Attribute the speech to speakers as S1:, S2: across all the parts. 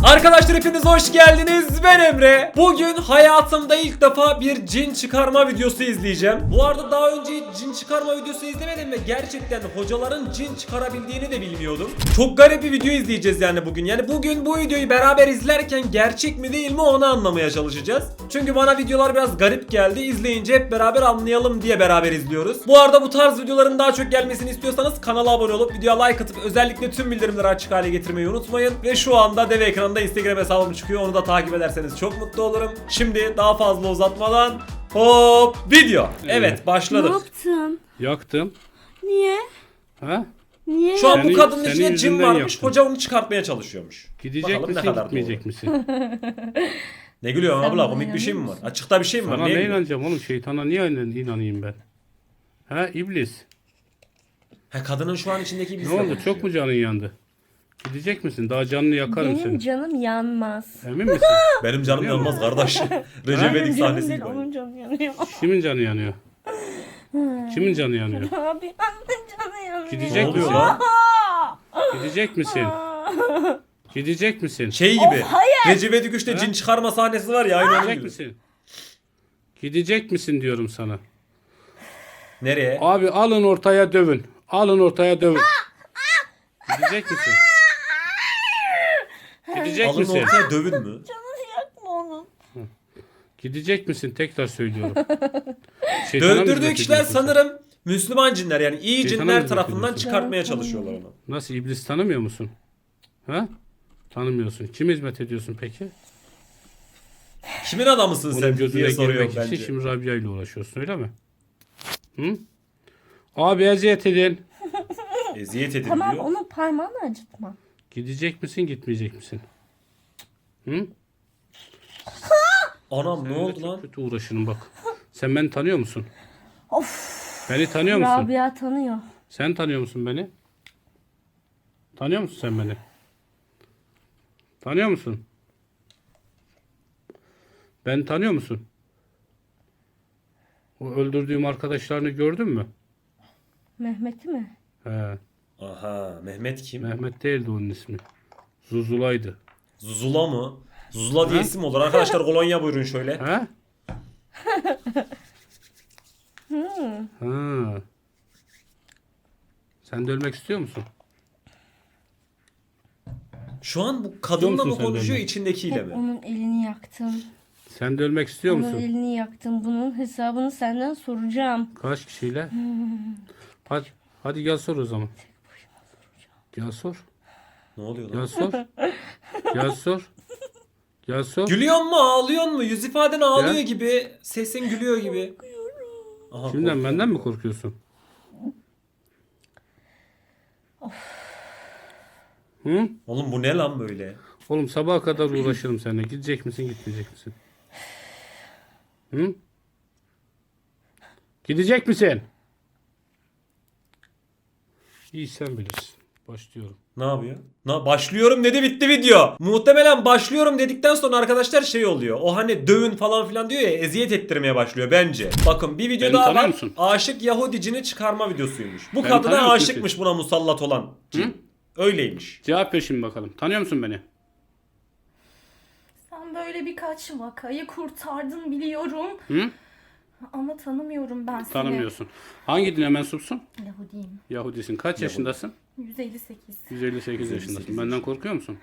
S1: Arkadaşlar hepiniz hoş geldiniz. Ben Emre. Bugün hayatımda ilk defa bir cin çıkarma videosu izleyeceğim. Bu arada daha önce hiç cin çıkarma videosu izlemedim ve gerçekten hocaların cin çıkarabildiğini de bilmiyordum. Çok garip bir video izleyeceğiz yani bugün. Yani bugün bu videoyu beraber izlerken gerçek mi değil mi onu anlamaya çalışacağız. Çünkü bana videolar biraz garip geldi. İzleyince hep beraber anlayalım diye beraber izliyoruz. Bu arada bu tarz videoların daha çok gelmesini istiyorsanız kanala abone olup videoya like atıp özellikle tüm bildirimleri açık hale getirmeyi unutmayın. Ve şu anda dev ekranında Instagram hesabım çıkıyor. Onu da takip ederseniz çok mutlu olurum. Şimdi daha fazla uzatmadan hop video. Evet başladık.
S2: Ne yaptın?
S3: Yaktım.
S2: Niye?
S3: Ha?
S2: Niye?
S1: Şu an bu
S3: Senin-
S1: kadının
S3: senin
S1: içinde cin
S3: yüzünden
S1: varmış.
S3: yaptım.
S1: Hoca onu çıkartmaya çalışıyormuş.
S3: Gidecek
S1: Bakalım ne
S3: misin
S1: kadar
S3: gitmeyecek
S1: doğru.
S3: misin?
S1: Ne gülüyorsun
S2: Sen
S1: abla?
S2: bana
S1: Komik bir şey mi var?
S2: inanıyor musun?
S1: Açıkta bir şey mi var?
S3: Sana
S1: Neye
S3: ne
S1: gülüyorsun?
S3: inanacağım oğlum? Şeytana niye inanayım ben? Ha iblis.
S1: Ha, kadının şu an içindeki
S3: Ne
S1: iblis
S3: oldu? Çok mu canın yandı? Gidecek misin? Daha canını yakarım
S2: Benim
S3: seni.
S2: canım yanmaz.
S3: Emin misin?
S1: Benim canım
S3: Yanıyor mu?
S1: yanmaz kardeş. Recep
S2: Benim
S1: İvedik
S2: canım
S1: sahnesi
S2: değil,
S1: gibi.
S2: onun canı yanıyor.
S3: Kimin canı yanıyor? Kimin canı yanıyor?
S2: Abi annemin canı yanıyor.
S1: Ne
S3: Gidecek
S1: oluyor
S3: misin?
S1: lan?
S3: Gidecek misin? Gidecek misin?
S1: Şey gibi.
S2: hayır.
S1: Recep İvedik 3'te cin çıkarma sahnesi var ya aynı onun
S3: Gidecek
S1: gibi.
S3: misin? Gidecek misin diyorum sana.
S1: Nereye?
S3: Abi alın ortaya dövün. Alın ortaya dövün. Gidecek misin? Gidecek
S1: Alın
S3: misin?
S1: ortaya dövün mü?
S2: Canını yakma onun.
S3: Gidecek misin? Tekrar söylüyorum. Şeytana mı
S1: Dövdürdüğü
S3: hizmet
S1: kişiler
S3: ediyorsun sen?
S1: sanırım Müslüman cinler yani iyi
S3: Şeytana
S1: cinler
S3: hizmet
S1: tarafından
S3: ediyorsun.
S1: çıkartmaya
S2: Evet,
S1: çalışıyorlar onu.
S3: Nasıl iblis tanımıyor musun? Ha? Tanımıyorsun. Kime hizmet ediyorsun peki?
S1: Kimin adamısın
S3: Onun
S1: sen
S3: gözüne
S1: diye soruyor
S3: girmek için
S1: bence.
S3: şimdi Rabia ile uğraşıyorsun öyle mi? Hı? Abi eziyet edin.
S1: Eziyet edin
S2: Tamam
S1: diyor.
S2: onun parmağını acıtma.
S3: Gidecek misin gitmeyecek misin? Hı?
S1: Anam ne
S3: Seninle
S1: oldu
S3: çok
S1: lan?
S3: kötü uğraşırım bak. Sen beni tanıyor musun?
S2: Of.
S3: Beni tanıyor musun?
S2: Rabia tanıyor.
S3: Sen tanıyor musun beni? Tanıyor musun sen beni? Tanıyor musun? Ben tanıyor musun? O öldürdüğüm arkadaşlarını gördün mü?
S2: Mehmet'i mi?
S3: He.
S1: Aha Mehmet kim?
S3: Mehmet değildi onun ismi. Zuzula'ydı.
S1: Zuzula mı? Zuzula diye isim olur. Arkadaşlar kolonya buyurun şöyle.
S3: Ha? Ha. Sen de ölmek istiyor musun?
S1: Şu an bu kadınla
S3: musun
S1: mı
S3: sen
S1: konuşuyor
S3: benimle?
S1: içindekiyle
S2: Hep
S1: mi?
S2: onun elini yaktım.
S3: Sen de ölmek istiyor
S2: Onun
S3: musun?
S2: elini yaktım. Bunun hesabını senden soracağım.
S3: Kaç kişiyle? Hadi gel sor o zaman. Gel sor.
S1: Ne oluyor
S3: Gel
S1: lan?
S3: sor. Gel sor. Gel sor.
S1: Gülüyor mu ağlıyor mu? Yüz ifaden ağlıyor
S3: Ya.
S1: gibi. Sesin gülüyor gibi. Aha,
S3: Kimden
S1: korkuyorum.
S3: benden mi korkuyorsun? Hı?
S1: Oğlum bu ne lan böyle?
S3: Oğlum sabaha kadar uğraşırım seninle. Gidecek misin gitmeyecek misin? Hı? Gidecek misin? İyi sen bilirsin. Başlıyorum.
S1: Ne yapıyor? Başlıyorum dedi bitti video. Muhtemelen başlıyorum dedikten sonra arkadaşlar şey oluyor. O hani dövün falan filan diyor ya eziyet ettirmeye başlıyor bence. Bakın bir video
S3: Beni
S1: daha
S3: tanıyor
S1: var.
S3: musun?
S1: Aşık Yahudicini çıkarma videosuymuş. Bu
S3: Beni
S1: kadına
S3: tanıyor musun
S1: aşıkmış buna musallat olan. Cin. Öyleymiş.
S3: Cevap ver şimdi bakalım. Tanıyor musun beni?
S4: Sen böyle birkaç vakayı kurtardın biliyorum.
S3: Hı?
S4: Ama tanımıyorum ben seni.
S3: Tanımıyorsun. Hangi dine mensupsun?
S4: Yahudiyim.
S3: Yahudisin. Kaç yaşındasın?
S4: 158.
S3: 158 yaşındasın. Benden korkuyor musun?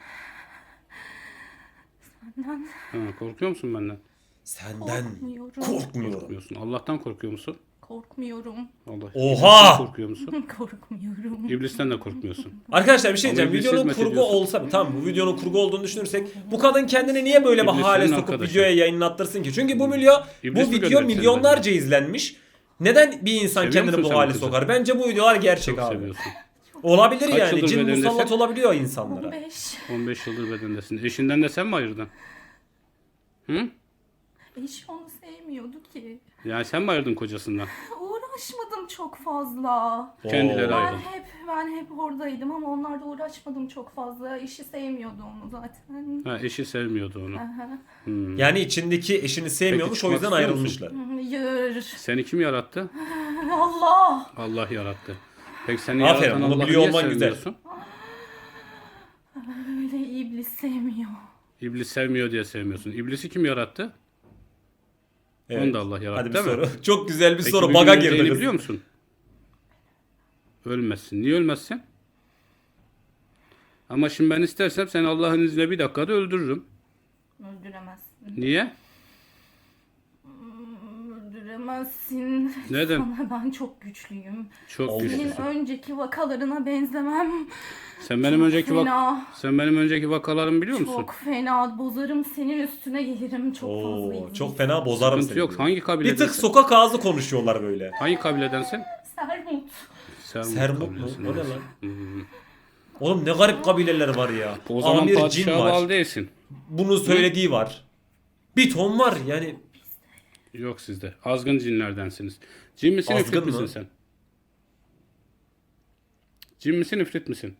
S4: Senden
S3: Ha, korkuyor musun benden?
S1: Senden
S4: korkmuyorum.
S1: korkmuyorum.
S3: Korkmuyorsun. Allah'tan korkuyor musun?
S4: Korkmuyorum.
S3: Allah.
S1: Oha!
S3: İblisten korkuyor musun?
S4: Korkmuyorum.
S3: İblisten de korkmuyorsun.
S1: Arkadaşlar bir şey
S3: Ama
S1: diyeceğim.
S3: iblise
S1: Videonun
S3: hizmet
S1: kurgu
S3: ediyorsun.
S1: olsa tamam bu videonun kurgu olduğunu düşünürsek bu kadın kendini niye böyle bir
S3: İblis
S1: hale
S3: senin
S1: sokup
S3: arkadaşın.
S1: videoya yayınlattırsın ki? Çünkü bu
S3: İblis
S1: bu
S3: mi
S1: video
S3: gönderdi seni
S1: milyonlarca izlenmiş. Neden bir insan
S3: Seviyor
S1: kendini
S3: musun
S1: bu
S3: sen
S1: hale
S3: kızı?
S1: sokar? Bence bu videolar gerçek
S3: Çok
S1: abi.
S3: seviyorsun.
S1: Olabilir
S3: Kaç
S1: yani.
S3: yıldır
S1: Cin
S3: bedendesin?
S1: musallat olabiliyor insanlara.
S4: 15.
S3: 15 yıldır bedendesin. Eşinden de sen mi ayırdın? Hı?
S4: Eş onu sevmiyordu ki.
S3: Yani sen mi ayırdın kocasından?
S4: Uğraşmadım çok fazla.
S3: Kendileri
S1: Oo.
S3: ayrı.
S4: Ben hep oradaydım ama onlarla uğraşmadım çok fazla. Eşi sevmiyordu onu zaten.
S3: Ha, eşi sevmiyordu onu.
S4: Aha.
S3: Hmm.
S1: Yani içindeki eşini sevmiyormuş
S3: Peki,
S1: o yüzden
S3: çıkmak istiyor musun?
S1: ayrılmışlar.
S4: Hayır.
S3: Seni kim yarattı?
S4: Allah.
S3: Allah yarattı. Peki seni
S1: Aferin,
S3: yaratan
S1: bunu
S3: Allah'ı
S1: biliyor
S3: niye
S1: olman güzel.
S3: sevmiyorsun?
S4: Öyle iblis sevmiyor.
S3: İblis sevmiyor diye sevmiyorsun. İblisi kim yarattı?
S1: Evet.
S3: Onu da Allah yarattı,
S1: Hadi bir
S3: değil mi?
S1: soru. Çok güzel bir
S3: Peki
S1: soru.
S3: bir
S1: Baga
S3: gün
S1: girdi
S3: öleceğini
S1: kız.
S3: biliyor musun? Ölmezsin. Niye ölmezsin? Ama şimdi ben istersem seni Allah'ın izniyle bir dakikada öldürürüm.
S4: Öldüremezsin.
S3: Niye?
S4: Öldüremezsin.
S3: Neden?
S4: Sana ben çok güçlüyüm.
S3: Çok
S1: Allah.
S4: Senin
S3: güçlüsün.
S4: önceki vakalarına benzemem.
S3: Sen benim önceki
S4: Fena.
S3: sen benim önceki vakalarımı biliyor musun?
S4: Çok fena. Bozarım senin üstüne gelirim. Çok fazla
S1: Oo,
S4: izin.
S1: çok fena bozarım
S3: Sıkıntı
S1: seni.
S3: yok.
S1: diyor.
S3: Hangi
S1: Bir
S3: kabiledensin?
S1: tık sokak ağzı konuşuyorlar böyle.
S3: Hangi kabiledensin?
S4: Sermut.
S1: Sermut mu?
S3: kabilesi.
S1: O ne lan? Oğlum ne garip kabileler var ya.
S3: O zaman
S1: Amir cin
S3: padişaha
S1: var.
S3: bağlı değilsin.
S1: Bunun söylediği var. Bir ton var yani.
S3: Yok sizde. Azgın cinlerdensiniz. Cin misin,
S1: Azgın
S3: ifrit
S1: mı?
S3: misin sen? Cin misin, ifrit misin?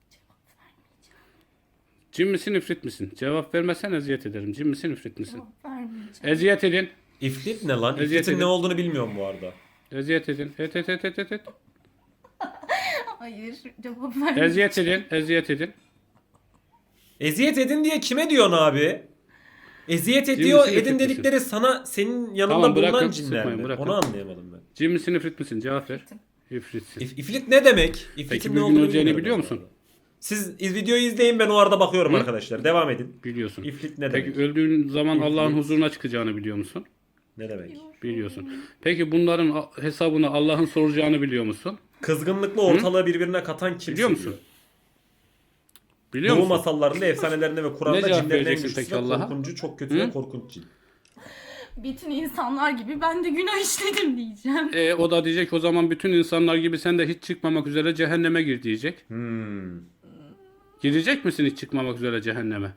S3: Cin misin, ifrit misin? Cevap vermezsen eziyet ederim. Cin misin, ifrit misin?
S4: Vermeyeceğim.
S3: Eziyet edin.
S1: İfrit ne lan?
S3: Eziyet
S1: İfritin
S3: edin.
S1: ne olduğunu bilmiyorum bu arada.
S3: Eziyet edin. Et.
S4: Hayır. Cevap vermeyeceğim.
S3: Eziyet edin. Eziyet edin.
S1: Eziyet edin diye kime diyorsun abi? Eziyet
S3: Cin
S1: ediyor
S3: misin,
S1: edin
S3: ifrit misin?
S1: dedikleri sana senin yanında
S3: Tamam,
S1: bulunan
S3: bırakın,
S1: cinler
S3: sıkmayın,
S1: mi?
S3: bırakın.
S1: Onu anlayamadım ben.
S3: Cin misin, ifrit misin? Cevap ver. İfritsin.
S1: İfrit ne demek? İfritin
S3: Peki
S1: ne
S3: bir gün
S1: olduğunu
S3: öleceğini
S1: bilmiyorum
S3: biliyor
S1: bu
S3: musun?
S1: arada. Siz videoyu izleyin, ben o arada bakıyorum arkadaşlar. Devam edin.
S3: Biliyorsun.
S1: İfrit ne
S3: Peki
S1: demek?
S3: öldüğün zaman
S1: İfrit.
S3: Allah'ın huzuruna çıkacağını biliyor musun?
S1: Ne demek?
S3: Biliyorsun. Peki bunların hesabını Allah'ın soracağını biliyor musun?
S1: Kızgınlıkla ortalığı birbirine katan kim?
S3: Biliyor musun?
S1: seviyor?
S3: Biliyor
S1: Doğu
S3: musun?
S1: masallarında, efsanelerinde ve
S3: Ne
S1: Kur'an'da
S3: cevap
S1: cinlerin en
S3: vereceksin
S1: güçlüsü
S3: peki
S1: ve
S3: Allah'a?
S1: korkuncu, çok kötü
S3: Hı?
S1: ve korkunç cin.
S4: Bütün insanlar gibi ben de günah işledim diyeceğim.
S3: O da diyecek o zaman bütün insanlar gibi sen de hiç çıkmamak üzere cehenneme gir diyecek. Girecek misin hiç çıkmamak üzere cehenneme?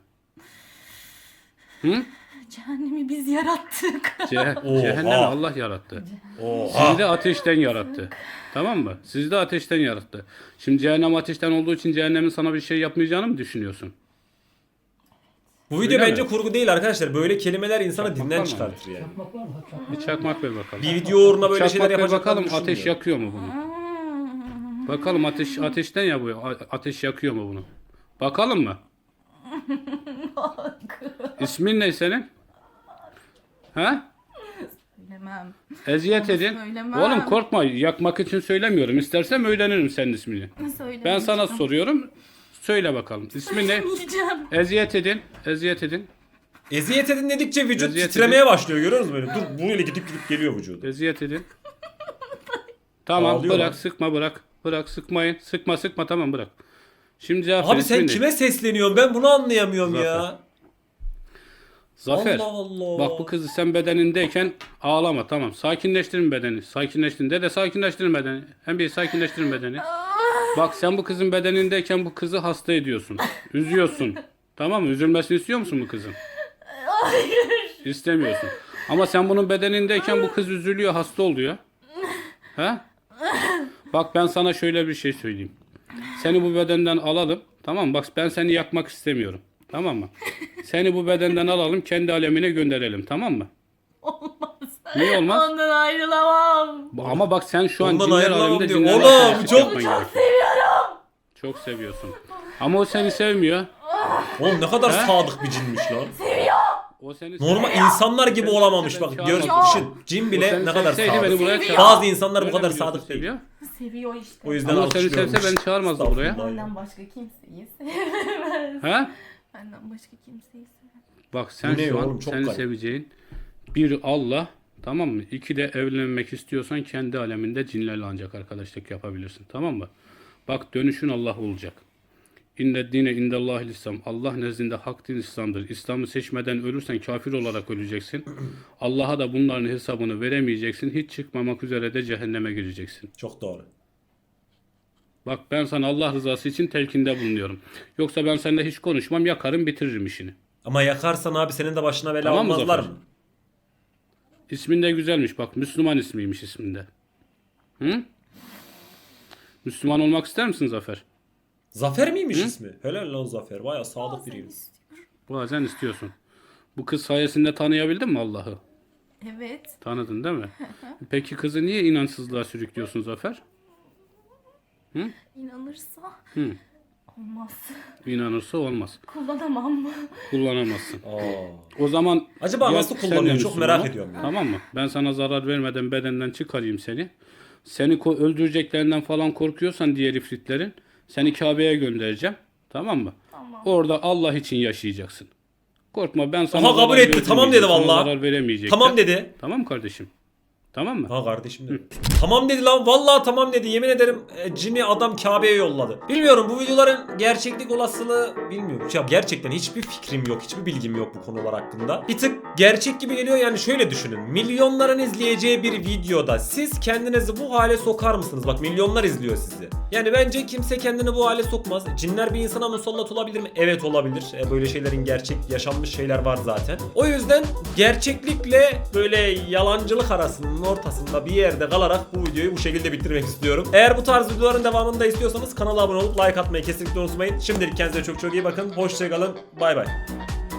S3: Hı?
S4: Cehennemi biz yarattık.
S1: Oha.
S3: Cehennemi Allah yarattı.
S1: Oha.
S3: Sizi de ateşten yarattı. Tamam mı? Sizi de ateşten yarattı. Şimdi cehennem ateşten olduğu için cehennemin sana bir şey yapmayacağını mı düşünüyorsun?
S1: Bu video
S3: Öyle
S1: bence
S3: mi?
S1: kurgu değil arkadaşlar. Böyle kelimeler insanı
S3: Çakmak
S1: dinden
S3: var mı?
S1: çıkartır yani.
S3: Bir çakmak ver bakalım.
S1: Bir video uğruna böyle
S3: Çakmak
S1: şeyler
S3: ver
S1: yapacaklarını
S3: bakalım ateş
S1: düşünmüyorum.
S3: yakıyor mu bunu? Bakalım ateşten ya bu. Ateş yakıyor mu bunu? Bakalım mı? İsmin ne senin? Ha?
S4: Söylemem.
S3: Eziyet
S4: Onu
S3: edin.
S4: söylemem.
S3: Oğlum korkma. Yakmak için söylemiyorum. İstersem öğrenirim senin ismini.
S4: Söylemeyeceğim.
S3: Ben sana soruyorum. Söyle bakalım. İsmin ne?
S4: Söylemeyeceğim.
S3: Eziyet edin. Eziyet edin.
S1: Eziyet edin dedikçe vücut
S3: Eziyet
S1: titremeye başlıyor, görüyor musun böyle? Dur böyle gidip geliyor vücudu.
S3: Eziyet edin. Tamam
S1: Ağlıyor
S3: bırak
S1: lan.
S3: sıkma bırak. Bırak sıkmayın. Sıkma tamam bırak. Şimdi cevap ver,
S1: Abi sen
S3: ismin ne?
S1: kime sesleniyorsun? Ben bunu anlayamıyorum
S3: Zafer.
S1: ya.
S3: Zafer.
S1: Allah Allah.
S3: Bak bu kızı sen bedenindeyken ağlama tamam. Sakinleştirin bedeni. Sakinleştirin. Dede sakinleştirin bedeni. Hem bir sakinleştirin bedeni. Bak sen bu kızın bedenindeyken bu kızı hasta ediyorsun. Üzüyorsun. Tamam mı? Üzülmesini istiyor musun bu kızın?
S4: Hayır.
S3: İstemiyorsun. Ama sen bunun bedenindeyken bu kız üzülüyor, hasta oluyor. Ha? Bak ben sana şöyle bir şey söyleyeyim. Seni bu bedenden alalım. Tamam mı? Bak ben seni yakmak istemiyorum. Tamam mı? Seni bu bedenden alalım, kendi alemine gönderelim. Tamam mı?
S4: Olmaz.
S3: Niye olmaz?
S4: Ondan ayrılamam.
S3: Ama bak sen şu an
S1: Ondan
S3: cinler
S1: ayrılamam
S3: aleminde
S1: diyor.
S3: cinlerle
S1: Oğlum,
S3: arkadaşlık
S1: çok
S3: yapman gerekiyor.
S4: Seviyorum.
S3: Çok seviyorsun. Ama o seni sevmiyor.
S1: Oğlum ne kadar
S3: He?
S1: sadık bir cinmiş lan.
S3: O seni
S1: Normal insanlar gibi
S3: Seni
S1: olamamış
S3: sevse
S1: bak.
S3: ben
S1: Gör,
S3: çağırmam.
S1: düşün. Cin
S3: O
S1: bile
S3: seni
S1: ne kadar
S3: sevseydi beni
S1: sadık.
S3: buraya
S4: Seviyor.
S3: çağırmaz.
S1: Bazı insanlar bu
S3: Öyle
S1: kadar
S3: mi diyorsun,
S1: sadık değil.
S3: seviyor?
S4: Seviyor işte.
S1: O yüzden
S3: Ama o seni
S1: alkışlıyormuş.
S3: sevse beni çağırmazdı buraya.
S1: Estağfurullah ya.
S4: Benden başka kimseyi sevmez.
S3: Ha?
S4: Benden başka kimseyi sevmez.
S3: Bak sen
S1: Bu ne
S3: şu an
S1: oğlum? Çok
S3: seni
S1: garip.
S3: seveceğin bir Allah, tamam mı? İki de evlenmek istiyorsan kendi aleminde cinlerle ancak arkadaşlık yapabilirsin. Tamam mı? Bak dönüşün Allah olacak. İnne dine indellahil İslam. Allah nezdinde hak din İslam'dır. İslam'ı seçmeden ölürsen kafir olarak öleceksin. Allah'a da bunların hesabını veremeyeceksin. Hiç çıkmamak üzere de cehenneme gireceksin.
S1: Çok doğru.
S3: Bak ben sana Allah rızası için telkinde bulunuyorum. Yoksa ben seninle hiç konuşmam, yakarım, bitiririm işini.
S1: Ama yakarsan abi senin de başına bela
S3: Tamam mı
S1: olmazlar
S3: Zafer?
S1: mı?
S3: İsmin de güzelmiş bak. Müslüman ismiymiş isminde. Hı? Müslüman olmak ister misin Zafer?
S1: Zafer miymiş ismi? Helal lan Zafer. Baya sadık biriymiş.
S3: Bazen istiyorsun. Bu kız sayesinde tanıyabildin mi Allah'ı?
S4: Evet.
S3: Tanıdın değil mi? Peki kızı niye inançsızlığa sürüklüyorsun Zafer?
S4: İnanırsa
S3: Hı.
S4: Olmaz.
S3: İnanırsa olmaz.
S4: Kullanamam.
S3: Kullanamazsın.
S1: Aa.
S3: O zaman
S1: Acaba
S3: ya
S1: nasıl
S3: sen
S1: kullanıyor?
S3: de
S1: Çok
S3: Müslüman
S1: merak
S3: ol,
S1: ediyorum ya.
S3: Tamam mı? Ben sana zarar vermeden bedenden çıkarayım seni. Seni öldüreceklerinden falan korkuyorsan diğer ifritlerin seni Kabe'ye göndereceğim. Tamam mı?
S4: Tamam.
S3: Orada Allah için yaşayacaksın. Korkma, ben sana
S1: Aha, kabul
S3: zarar
S1: etti. Tamam dedi
S3: vermeyeceğim, sana
S1: vallahi.
S3: zarar veremeyecekler.
S1: Tamam dedi.
S3: Tamam kardeşim. Tamam mı?
S1: Ha kardeşim dedi. Tamam dedi lan. Vallahi tamam dedi. Yemin ederim cini adam Kabe'ye yolladı. Bilmiyorum, bu videoların gerçeklik olasılığı bilmiyorum. Ya gerçekten hiçbir fikrim yok. Hiçbir bilgim yok bu konular hakkında. Bir tık gerçek gibi geliyor. Yani şöyle düşünün. Milyonların izleyeceği bir videoda siz kendinizi bu hale sokar mısınız? Bak, milyonlar izliyor sizi. Yani bence kimse kendini bu hale sokmaz. Cinler bir insana musallat olabilir mi? Evet, olabilir. Böyle şeylerin gerçek yaşanmış şeyler var zaten. O yüzden gerçeklikle böyle yalancılık arasının ortasında bir yerde kalarak bu videoyu bu şekilde bitirmek istiyorum. Eğer bu tarz videoların devamını da istiyorsanız kanala abone olup like atmayı kesinlikle unutmayın. Şimdilik kendinize çok çok iyi bakın. Hoşçakalın. Bay bay.